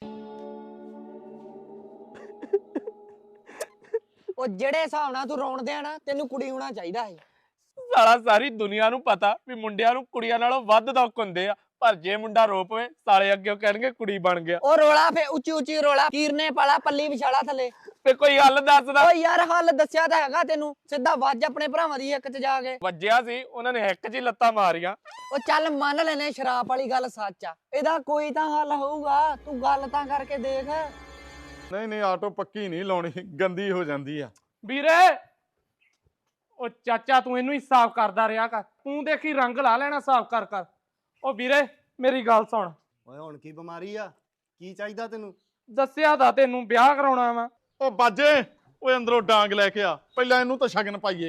Speaker 6: ਉਹ ਜਿਹੜੇ ਹਿਸਾਬ ਨਾਲ ਤੂੰ ਰੋਣ ਦਿਆ ਨਾ, ਤੈਨੂੰ ਕੁੜੀ ਹੋਣਾ ਚਾਹੀਦਾ ਸੀ।
Speaker 9: ਸਾਲਾ ਸਾਰੀ ਦੁਨੀਆ ਨੂੰ ਪਤਾ ਵੀ ਮੁੰਡਿਆਂ ਨੂੰ ਕੁੜੀਆਂ ਨਾਲੋਂ ਵੱਧ ਦੁੱਖ ਹੁੰਦੇ ਆ, ਪਰ ਜੇ ਮੁੰਡਾ ਰੋ ਪਵੇ ਸਾਲੇ ਅੱਗੇ ਕਹਿਣਗੇ ਕੁੜੀ ਬਣ ਗਿਆ।
Speaker 6: ਉਹ ਰੋਲਾ ਫੇ ਉੱਚੀ ਉੱਚੀ ਰੋਲਾ, ਕੀਰਨੇ ਪਾਲਾ ਪੱਲੀ ਵਿਛਾਲਾ ਥੱਲੇ।
Speaker 9: ਤੇ ਕੋਈ ਹੱਲ ਦੱਸਦਾ?
Speaker 6: ਓ ਯਾਰ ਹੱਲ ਦੱਸਿਆ ਤਾਂ ਹੈਗਾ ਤੈਨੂੰ, ਸਿੱਧਾ ਵੱਜ ਆਪਣੇ ਭਰਾਵਾਂ ਦੀ ਇੱਕ 'ਚ ਜਾ ਕੇ।
Speaker 9: ਵੱਜਿਆ ਸੀ, ਉਹਨਾਂ ਨੇ ਇੱਕ 'ਚ ਹੀ ਲੱਤਾਂ ਮਾਰੀਆਂ।
Speaker 6: ਉਹ ਚੱਲ ਮੰਨ ਲੈਨੇ ਸ਼ਰਾਬ ਵਾਲੀ ਗੱਲ ਸੱਚ ਆ, ਇਹਦਾ ਕੋਈ ਤਾਂ ਹੱਲ ਹੋਊਗਾ, ਤੂੰ ਗੱਲ ਤਾਂ ਕਰਕੇ ਦੇਖ।
Speaker 4: ਨਹੀਂ ਆਟੋ ਪੱਕੀ ਨਹੀਂ ਲਾਉਣੀ, ਗੰਦੀ ਹੋ ਜਾਂਦੀ ਆ।
Speaker 9: ਵੀਰੇ ਉਹ ਚਾਚਾ ਤੂੰ ਇਹਨੂੰ ਹੀ ਸਾਫ਼ ਕਰਦਾ ਰਿਹਾ ਕਰ, ਤੂੰ ਦੇਖੀ ਰੰਗ ਲਾ ਲੈਣਾ ਸਾਫ਼ ਕਰ ਕਰ। ਉਹ ਵੀਰੇ ਮੇਰੀ ਗੱਲ ਸੁਣ।
Speaker 1: ਓਏ ਹੁਣ ਕੀ ਬਿਮਾਰੀ ਆ? ਕੀ ਚਾਹੀਦਾ ਤੈਨੂੰ?
Speaker 9: ਦੱਸਿਆ ਤਾਂ ਤੈਨੂੰ ਵਿਆਹ ਕਰਾਉਣਾ ਵਾ।
Speaker 4: ਉਹ ਬਾਜੇ, ਓਏ ਅੰਦਰੋਂ ਡਾਂਗ ਲੈ ਕੇ ਆ, ਪਹਿਲਾਂ ਇਹਨੂੰ ਤਾਂ ਸ਼ਗਨ ਪਾਈਏ।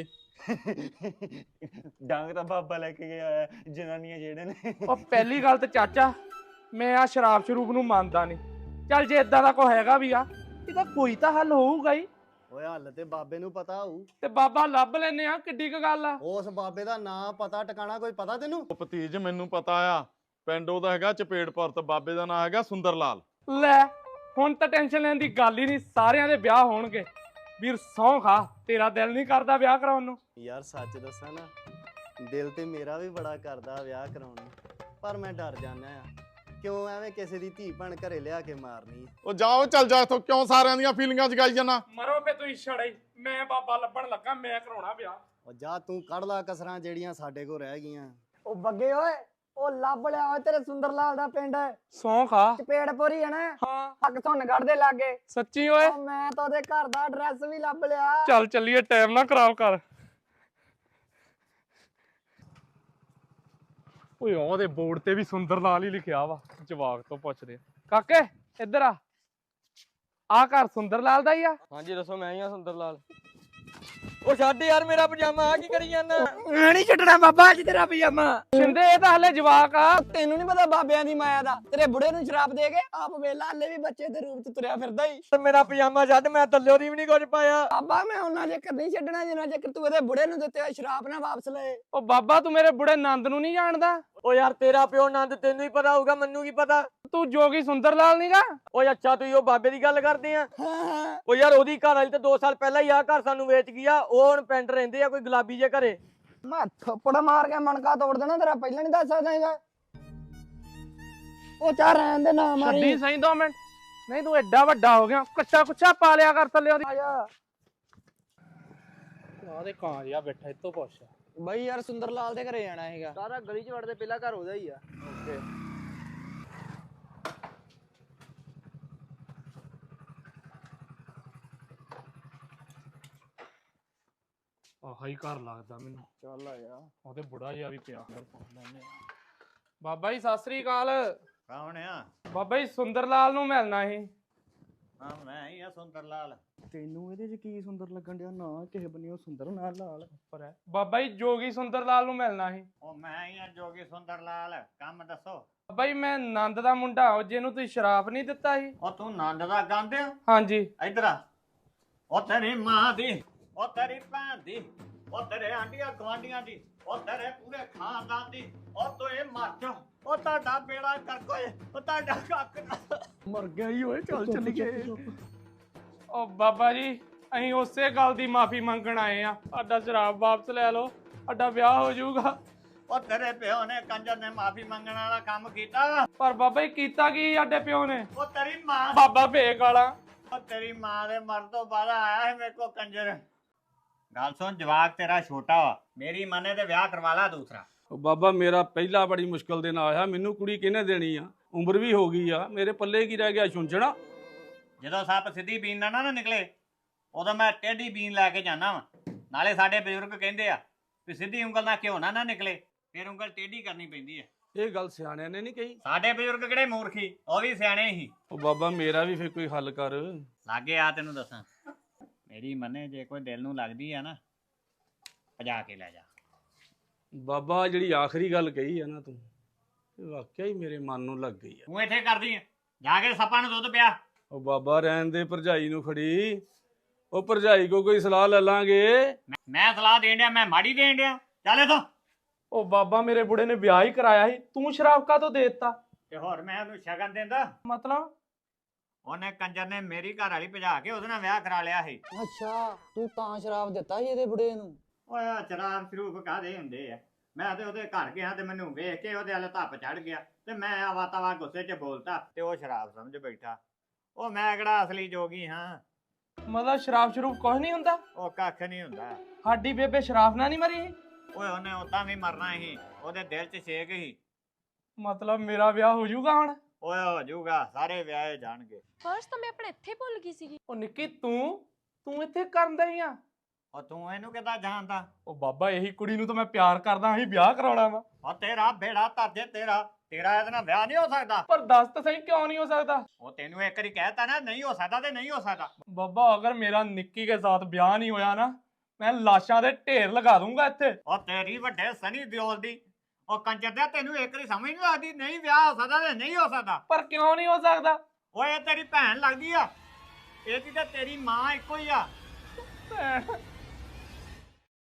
Speaker 10: ਡਾਂਗ ਤਾਂ ਬਾਬਾ ਲੈ ਕੇ ਗਿਆ, ਜਨਾਨੀਆਂ ਜਿਹੜੇ ਨੇ।
Speaker 9: ਉਹ ਪਹਿਲੀ ਗੱਲ ਤੇ ਚਾਚਾ, ਮੈਂ ਆ ਸ਼ਰਾਬ ਸ਼ਰੂਬ ਨੂੰ ਮੰਨਦਾ ਨਹੀਂ। ਚੱਲ ਜੇ ਇਦਾਂ ਦਾ ਕੋਈ ਹੈਗਾ ਵੀ ਆ, ਇਹਦਾ ਕੋਈ ਤਾਂ ਹੱਲ ਹੋਊਗਾ ਹੀ।
Speaker 1: ਓਏ ਹੱਲ ਤੇ ਬਾਬੇ ਨੂੰ ਪਤਾ ਹੋਊ।
Speaker 9: ਤੇ ਬਾਬਾ ਲੱਭ ਲੈਨੇ ਆ, ਕਿੱਡੀ ਕੁ ਗੱਲ ਆ।
Speaker 1: ਉਸ ਬਾਬੇ ਦਾ ਨਾਂ ਪਤਾ ਟਿਕਾਣਾ ਕੋਈ ਪਤਾ ਤੈਨੂੰ?
Speaker 4: ਉਹ ਭਤੀਜ ਮੈਨੂੰ ਪਤਾ ਆ, ਪਿੰਡ ਉਹਦਾ ਹੈਗਾ ਚਪੇੜਪੁਰ, ਤੇ ਬਾਬੇ ਦਾ ਨਾਂ ਹੈਗਾ ਸੁੰਦਰ ਲਾਲ।
Speaker 9: ਲੈ ਹੁਣ ਤਾਂ ਟੈਨਸ਼ਨ ਲੈਣ ਦੀ ਗੱਲ ਹੀ ਨਹੀਂ, ਸਾਰਿਆਂ ਦੇ ਵਿਆਹ ਹੋਣਗੇ। ਵੀਰ ਸਹੁੰ ਖਾ, ਤੇਰਾ ਦਿਲ ਨਹੀਂ ਕਰਦਾ ਵਿਆਹ ਕਰਾਉਣ ਨੂੰ?
Speaker 1: ਯਾਰ ਸੱਚ ਦੱਸਾਂ ਨਾ, ਦਿਲ ਤੇ ਮੇਰਾ ਵੀ ਬੜਾ ਕਰਦਾ ਵਿਆਹ ਕਰਾਉਣ ਨੂੰ, ਪਰ ਮੈਂ ਡਰ ਜਾਂਦਾ ਆ। ਕਿਉਂ ਐਵੇਂ ਕਿਸੇ ਦੀ ਧੀ ਭੈਣ ਘਰੇ ਲਿਆ ਕੇ ਮਾਰਨੀ?
Speaker 4: ਉਹ ਜਾਓ, ਚੱਲ ਜਾ ਇੱਥੋਂ, ਕਿਉਂ ਸਾਰਿਆਂ ਦੀਆਂ ਫੀਲਿੰਗਾਂ ਜਗਾਈ ਜਾਣਾ?
Speaker 9: ਮਰੋ ਪੇ ਤੁਸੀਂ ਛੜੇ, ਮੈਂ ਬਾਬਾ ਲੱਭਣ ਲੱਗਾ, ਮੈਂ ਕਰਾਉਣਾ ਵਿਆਹ।
Speaker 1: ਉਹ ਜਾ ਤੂੰ ਕੱਢ ਲਾ ਕਸਰਾਂ ਜਿਹੜੀਆਂ ਸਾਡੇ ਕੋਲ ਰਹਿ ਗਈਆਂ।
Speaker 6: ਉਹ ਬੱਗੇ ਓਏ, ਉਹ ਲੱਭ ਲਿਆ ਓਏ ਤੇਰੇ ਸੁੰਦਰ ਲਾਲ ਦਾ ਪਿੰਡ,
Speaker 9: ਸਹੁੰ ਖਾ।
Speaker 6: ਚਪੇੜਪੁਰੀ ਹੈ ਨਾ?
Speaker 9: ਹਾਂ
Speaker 6: ਹੱਕ ਧੁੰਨਗੜ੍ਹ ਦੇ ਲਾਗੇ।
Speaker 9: ਸੱਚੀ ਓਏ?
Speaker 6: ਮੈਂ ਤਾਂ ਉਹਦੇ ਘਰ ਦਾ ਐਡਰੈਸ ਵੀ ਲੱਭ ਲਿਆ।
Speaker 9: ਚੱਲ ਚੱਲੀਏ, ਟਾਈਮ ਨਾ ਖਰਾਬ ਕਰ। ਓਏ ਉਹਦੇ ਬੋਰਡ ਤੇ ਵੀ ਸੁੰਦਰ ਲਾਲ ਹੀ ਲਿਖਿਆ ਵਾ। ਜਵਾਕ ਤੋਂ ਪੁੱਛਦੇ ਕਾਕੇ ਇੱਧਰ ਆ ਘਰ ਸੁੰਦਰ ਲਾਲ ਦਾ ਹੀ ਆ?
Speaker 7: ਹਾਂਜੀ ਦੱਸੋ, ਮੈਂ ਹੀ ਆ ਸੁੰਦਰ ਲਾਲ। ਉਹ ਛੱਡ ਯਾਰ ਮੇਰਾ ਪਜਾਮਾ ਆ ਕੀ ਕਰੀ ਜਾਂਦਾ?
Speaker 6: ਮੈਂ ਨਹੀਂ ਛੱਡਣਾ ਬਾਬਾ ਅੱਜ ਤੇਰਾ ਪਜਾਮਾ।
Speaker 9: ਸ਼ਿੰਦੇ ਇਹ ਤਾਂ ਹਲੇ ਜਵਾਕ ਆ।
Speaker 6: ਤੈਨੂੰ ਨਹੀਂ ਪਤਾ ਬਾਬਿਆਂ ਦੀ ਮਾਇਆ ਦਾ। ਤੇਰੇ ਬੁੜੇ ਨੂੰ ਸ਼ਰਾਪ ਦੇ ਕੇ ਆਪ ਵੇਲਾ ਹਲੇ ਵੀ ਬੱਚੇ ਦੇ ਰੂਪ ਚ ਤੁਰਿਆ ਫਿਰਦਾ ਹੀ।
Speaker 7: ਮੇਰਾ ਪਜਾਮਾ ਛੱਡ, ਮੈਂ ਥੱਲਿਓ ਦੀ ਵੀ ਨਹੀਂ ਕੁਝ ਪਾਇਆ।
Speaker 6: ਬਾਬਾ ਮੈਂ ਉਹਨਾਂ ਚੱਕਰ ਨਹੀਂ ਛੱਡਣਾ ਜਿੰਨਾ ਚੱਕਰ ਤੂੰ ਇਹਦੇ ਬੁੜੇ ਨੂੰ ਦਿੱਤੇ ਹੋਏ ਸ਼ਰਾਪ ਨਾ ਵਾਪਸ ਲਏ।
Speaker 9: ਉਹ ਬਾਬਾ ਤੂੰ ਮੇਰੇ ਬੁੜੇ ਨੰਦ ਨੂੰ ਨਹੀਂ ਜਾਣਦਾ?
Speaker 7: ਉਹ ਯਾਰ ਤੇਰਾ ਪਿਓ ਨੰਦ ਤੈਨੂੰ ਹੀ ਪਤਾ ਹੋਊਗਾ, ਮੈਨੂੰ ਕੀ ਪਤਾ।
Speaker 9: ਤੂੰ ਜੋਗੀ ਸੁੰਦਰ ਲਾਲ ਨੀਗਾ?
Speaker 7: ਓਏ ਅੱਛਾ ਤੂੰ ਉਹ ਬਾਬੇ ਦੀ ਗੱਲ ਕਰਦੇ ਆ?
Speaker 6: ਹਾਂ
Speaker 7: ਉਹ ਯਾਰ ਉਹਦੀ ਘਰ ਵਾਲੀ ਤਾਂ 2 ਸਾਲ ਪਹਿਲਾਂ ਹੀ ਆ ਘਰ ਸਾਨੂੰ ਵੇਚ ਗਿਆ। ਉਹ ਹੁਣ ਪਿੰਡ ਰਹਿੰਦੇ ਆ ਕੋਈ ਗੁਲਾਬੀ ਜੇ ਘਰੇ।
Speaker 6: ਮੈਂ ਥੱਪੜ ਮਾਰ ਕੇ ਮਣਕਾ ਤੋੜ ਦੇਣਾ ਤੇਰਾ, ਪਹਿਲਾਂ ਨਹੀਂ ਦੱਸ ਸਕਦਾ ਹੈਗਾ। ਉਹ ਚਾਹ ਰਹਿਣ ਦੇ ਨਾ ਮਾਰੀ।
Speaker 9: ਛੱਡੀ ਸਹੀ 2 ਮਿੰਟ। ਨਹੀਂ ਤੂੰ ਐਡਾ ਵੱਡਾ ਹੋ ਗਿਆ, ਕੱਚਾ ਕੁੱਚਾ ਪਾ ਲਿਆ ਕਰ ਥੱਲੇ ਉਹਦੀ।
Speaker 6: ਆਇਆ
Speaker 9: ਆਦੇ ਕਾਂ ਜਿਹਾ ਬੈਠਾ ਇੱਥੋਂ ਪੁੱਛ।
Speaker 6: ਬਈ ਯਾਰ ਸੁੰਦਰ ਲਾਲ ਦੇ ਘਰੇ ਜਾਣਾ ਹੈਗਾ।
Speaker 1: ਸਾਰਾ ਗਲੀ 'ਚ ਵੜਦੇ ਪਹਿਲਾ ਘਰ ਉਹਦਾ ਹੀ ਆ। ਓਕੇ
Speaker 9: ਆਹ ਹੀ ਘਰ ਲੱਗਦਾ ਮੈਨੂੰ।
Speaker 1: ਚੱਲ ਆ ਜਾ।
Speaker 9: ਉਹਦੇ ਬੁੜਾ ਜਿਹਾ ਵੀ ਪਿਆ। ਬਾਬਾ ਜੀ ਸਤਿ ਸ੍ਰੀ ਅਕਾਲ।
Speaker 10: ਕੌਣ ਆ?
Speaker 9: ਬਾਬਾ ਜੀ ਸੁੰਦਰ ਲਾਲ ਨੂੰ ਮਿਲਣਾ ਸੀ।
Speaker 10: ਹਾਂ ਮੈਂ ਹੀ ਆ ਸੁੰਦਰ ਲਾਲ।
Speaker 1: ਤੈਨੂੰ ਇਹਦੇ 'ਚ ਕੀ ਸੁੰਦਰ ਲੱਗਣ ਡਿਆ? ਨਾ ਕਿਸੇ ਬੰਨਿਓ ਸੁੰਦਰ ਨਾ ਲਾਲ।
Speaker 9: ਪਰ ਹੈ ਬਾਬਾ ਜੀ ਜੋਗੀ ਸੁੰਦਰ ਲਾਲ ਨੂੰ ਮਿਲਣਾ ਸੀ।
Speaker 10: ਉਹ ਮੈਂ ਹੀ ਆ ਜੋਗੀ ਸੁੰਦਰ ਲਾਲ। ਕੰਮ ਦੱਸੋ।
Speaker 9: ਬਾਬਾ ਜੀ ਮੈਂ ਨੰਦ ਦਾ ਮੁੰਡਾ ਉਹ ਜਿਹਨੂੰ ਤੁਸੀਂ ਸ਼ਰਾਪ ਨਹੀਂ ਦਿੱਤਾ ਸੀ।
Speaker 10: ਉਹ ਤੂੰ ਨੰਦ ਦਾ ਗੰਦ ਆ?
Speaker 9: ਹਾਂਜੀ।
Speaker 10: ਇੱਧਰ ਆ। ਉਹ ਤੇਰੀ ਮਾਂ ਦੀ, ਉਹ ਤੇਰੀ ਭੈਣ ਦੀ, ਉਹ ਤੇਰੇ ਆਂਡੀਆਂ ਗਵਾਂਡੀਆਂ ਦੀ, ਉਹ ਤੇਰੇ ਪੂਰੇ ਖਾਨਦਾਨ ਦੀ। ਉਹ ਤੂੰ ਇਹ ਮਰ ਜਾ। ਉਹ ਤੁਹਾਡਾ ਬੇੜਾ ਕਰ ਕੋਈ, ਉਹ ਤੁਹਾਡਾ ਕੱਕ
Speaker 1: ਮਰ ਗਿਆ ਹੀ ਓਏ। ਚੱਲ ਚੱਲੀਏ।
Speaker 9: ਉਹ ਬਾਬਾ ਜੀ ਅਸੀਂ ਉਸੇ ਗੱਲ ਦੀ ਮਾਫੀ ਮੰਗਣ ਆਏ ਆ। ਸਾਡਾ ਸ਼ਰਾਪ ਵਾਪਸ ਲੈ ਲਓ, ਸਾਡਾ ਵਿਆਹ ਹੋ ਜਾਊਗਾ।
Speaker 10: ਉਹ ਤੇਰੇ ਪਿਓ ਨੇ ਕੰਜਰ ਨੇ ਮਾਫੀ ਮੰਗਣ ਵਾਲਾ ਕੰਮ ਕੀਤਾ।
Speaker 9: ਪਰ ਬਾਬਾ ਜੀ ਕੀਤਾ ਕੀ ਸਾਡੇ ਪਿਓ ਨੇ?
Speaker 10: ਉਹ ਤੇਰੀ ਮਾਂ,
Speaker 9: ਬਾਬਾ ਭੇਕ ਵਾਲਾ।
Speaker 10: ਉਹ ਤੇਰੀ ਮਾਂ ਦੇ ਮਰਨ ਤੋਂ ਬਾਅਦ ਆਇਆ ਹੈ ਮੇਰੇ ਕੋ ਕੰਜਰ। ਗੱਲ ਸੁਣ, ਜਵਾਕ ਤੇਰਾ ਛੋਟਾ ਵਾ, ਮੇਰੀ ਮੰਨੇ ਤੇ ਵਿਆਹ ਕਰਵਾ ਲਾ ਦੂਸਰਾ।
Speaker 11: ਉਹ ਬਾਬਾ ਮੇਰਾ ਪਹਿਲਾ ਬੜੀ ਮੁਸ਼ਕਲ ਦੇ ਨਾਲ ਆਇਆ, ਮੈਨੂੰ ਕੁੜੀ ਕਿਹਨੇ ਦੇਣੀ ਆ? ਉਮਰ ਵੀ ਹੋ ਗਈ ਆ, ਮੇਰੇ ਪੱਲੇ ਕੀ ਰਹਿ ਗਿਆ? ਛੁੰਝਣਾ।
Speaker 10: ਜਦੋਂ ਸੱਪ ਸਿੱਧੀ ਬੀਨ ਨਾ ਨਿਕਲੇ ਉਦੋਂ ਮੈਂ ਟੇਢੀ ਬੀਨ ਲੈ ਕੇ ਜਾਣਾ ਵਾ। ਨਾਲੇ ਸਾਡੇ ਬਜ਼ੁਰਗ ਕਹਿੰਦੇ ਆ ਵੀ ਸਿੱਧੀ ਉਂਗਲ ਨਾਲ ਘਿਓ ਨਾ ਨਿਕਲੇ, ਫਿਰ ਉਂਗਲ ਟੇਢੀ ਕਰਨੀ ਪੈਂਦੀ ਹੈ।
Speaker 11: ਇਹ ਗੱਲ ਸਿਆਣਿਆਂ ਨੇ ਨਹੀਂ ਕਹੀ?
Speaker 10: ਸਾਡੇ ਬਜ਼ੁਰਗ ਕਿਹੜੇ ਮੂਰਖੀ, ਉਹ ਵੀ ਸਿਆਣੇ ਸੀ।
Speaker 11: ਉਹ ਬਾਬਾ ਮੇਰਾ ਵੀ ਫਿਰ ਕੋਈ ਹੱਲ ਕਰ।
Speaker 10: ਲਾਗੇ ਆ ਤੈਨੂੰ ਦੱਸਾਂ, ਮੇਰੀ ਮੰਨੇ ਜੇ ਕੋਈ ਦਿਲ ਨੂੰ ਲੱਗਦੀ ਆ ਨਾ ਭਜਾ ਕੇ ਲੈ ਜਾ।
Speaker 11: ਬਾਬਾ ਜਿਹੜੀ ਆਖਰੀ ਗੱਲ ਕਹੀ ਆ ਨਾ ਤੂੰ, ਇਹ ਵਾਕਿਆ ਹੀ ਮੇਰੇ ਮਨ ਨੂੰ ਲੱਗ ਗਈ ਆ।
Speaker 10: ਤੂੰ ਇੱਥੇ ਕਰਦੀ ਆ, ਜਾ ਕੇ ਸੱਪਾਂ ਨੂੰ ਦੁੱਧ ਪਿਆ।
Speaker 11: ਉਹ ਬਾਬਾ ਰਹਿਣ ਦੇ, ਭਰਜਾਈ ਨੂੰ ਖੜੀ। ਉਹ ਭਰਜਾਈ ਕੋ ਕੋਈ ਸਲਾਹ ਲੈ ਲਾਂਗੇ।
Speaker 10: ਮੈਂ ਸਲਾਹ ਦੇਣ ਡਿਆ, ਮੈਂ ਮਾੜੀ ਦੇਣ ਡਿਆ? ਚੱਲ ਇੱਥੋਂ।
Speaker 9: ਉਹ ਬਾਬਾ ਮੇਰੇ ਬੁੜੇ ਨੇ ਵਿਆਹ ਹੀ ਕਰਾਇਆ ਸੀ, ਤੂੰ ਸ਼ਰਾਬ ਕਾਹਤੋਂ ਦੇ ਦਿੱਤਾ?
Speaker 10: ਤੇ ਹੋਰ ਮੈਂ ਉਹਨੂੰ ਸ਼ਗਨ ਦਿੰਦਾ?
Speaker 9: ਮਤਲਬ
Speaker 10: ਉਹਨੇ ਕੰਜਰ ਨੇ ਮੇਰੀ ਘਰ ਵਾਲੀ ਭਜਾ ਕੇ ਉਹਦੇ ਨਾਲ ਵਿਆਹ ਕਰਾ ਲਿਆ ਸੀ।
Speaker 6: ਅੱਛਾ ਤੂੰ ਤਾਂ ਸ਼ਰਾਬ ਦਿੱਤਾ ਸੀ ਇਹਦੇ ਬੁੜੇ ਨੂੰ?
Speaker 10: ਓਏ ਸ਼ਰਾਬ ਸ਼ਰੂਬ ਕਾਹਦੇ ਹੁੰਦੇ ਆ? ਮੈਂ ਤੇ ਉਹਦੇ ਘਰ ਗਿਆ ਤੇ ਮੈਨੂੰ ਵੇਖ ਕੇ ਉਹਦੇ ਵਾਲੇ ਧੱਪ ਚੜ ਗਿਆ ਤੇ ਮੈਂ ਆਵਾ ਤਵਾ ਗੁੱਸੇ 'ਚ ਬੋਲਤਾ ਤੇ ਉਹ ਸ਼ਰਾਬ ਸਮਝ ਬੈਠਾ। ਉਹ ਮੈਂ ਕਿਹੜਾ ਅਸਲੀ ਜੋਗੀ ਹਾਂ?
Speaker 9: ਮਤਲਬ ਸ਼ਰਾਬ ਸ਼ਰੂਬ ਕੁਝ ਨਹੀਂ ਹੁੰਦਾ?
Speaker 10: ਉਹ ਕੱਖ ਨਹੀਂ ਹੁੰਦਾ।
Speaker 9: ਸਾਡੀ ਬੇਬੇ ਸ਼ਰਾਬ ਨਾਲ ਨਹੀਂ ਮਰੀ?
Speaker 10: ਓਏ ਉਹਨੇ ਉਦਾਂ ਵੀ ਮਰਨਾ ਸੀ, ਉਹਦੇ ਦਿਲ 'ਚ ਛੇਕ ਸੀ।
Speaker 9: ਮਤਲਬ ਮੇਰਾ ਵਿਆਹ ਹੋ ਜਾਊਗਾ ਹੁਣ?
Speaker 10: ਓਏ ਹੋ ਜਾਊਗਾ, ਸਾਰੇ ਵਿਆਹੇ ਜਾਣਗੇ।
Speaker 8: ਪਰਸ ਤਾਂ ਮੈਂ ਆਪਣੇ ਇੱਥੇ ਭੁੱਲ ਗਈ ਸੀਗੀ।
Speaker 9: ਉਹ ਨਿੱਕੀ ਤੂੰ ਇੱਥੇ ਕਰਨ ਦਈ ਆ?
Speaker 10: ਉਹ ਤੂੰ ਇਹਨੂੰ ਕਿੱਦਾਂ ਜਾਣਦਾ?
Speaker 9: ਉਹ ਬਾਬਾ ਇਹੀ ਕੁੜੀ ਨੂੰ ਤਾਂ ਮੈਂ ਪਿਆਰ ਕਰਦਾ, ਅਸੀਂ ਵਿਆਹ ਕਰਾਉਣਾ ਵਾ।
Speaker 10: ਉਹ ਤੇਰਾ ਬੇੜਾ ਧਰ ਜੇ, ਤੇਰਾ ਇਹਦੇ ਨਾਲ ਵਿਆਹ ਨਹੀਂ ਹੋ ਸਕਦਾ।
Speaker 9: ਪਰ ਦੱਸ ਤਾਂ ਸਹੀ ਕਿਉਂ ਨਹੀਂ ਹੋ ਸਕਦਾ?
Speaker 10: ਉਹ ਤੈਨੂੰ ਇੱਕ ਵਾਰੀ ਕਹਿਤਾ ਨਾ ਨਹੀਂ ਹੋ ਸਕਦਾ ਤੇ ਨਹੀਂ ਹੋ ਸਕਦਾ।
Speaker 9: ਬਾਬਾ ਅਗਰ ਮੇਰਾ ਨਿੱਕੀ ਕੇ ਸਾਥ ਵਿਆਹ ਨਹੀਂ ਹੋਇਆ ਨਾ, ਮੈਂ ਲਾਸ਼ਾਂ ਦੇ ਢੇਰ ਲਗਾ ਦੂੰਗਾ ਇੱਥੇ।
Speaker 10: ਉਹ ਤੇਰੀ ਵੱਡੇ ਸਨੀ ਦਿਓਲ ਦੀ, ਉਹ ਕੰਜਰ ਦਿਆ ਤੈਨੂੰ ਇੱਕ ਵਾਰੀ ਸਮਝ ਨਹੀਂ ਲੱਗਦੀ? ਨਹੀਂ ਵਿਆਹ ਹੋ ਸਕਦਾ ਤੇ ਨਹੀਂ ਹੋ ਸਕਦਾ।
Speaker 9: ਪਰ ਕਿਉਂ ਨਹੀਂ ਹੋ ਸਕਦਾ?
Speaker 10: ਓਏ ਤੇਰੀ ਭੈਣ ਲੱਗਦੀ ਆ, ਇਹਦੀ ਤਾਂ ਤੇਰੀ ਮਾਂ ਇੱਕੋ ਹੀ ਆ।
Speaker 9: ਭੈਣ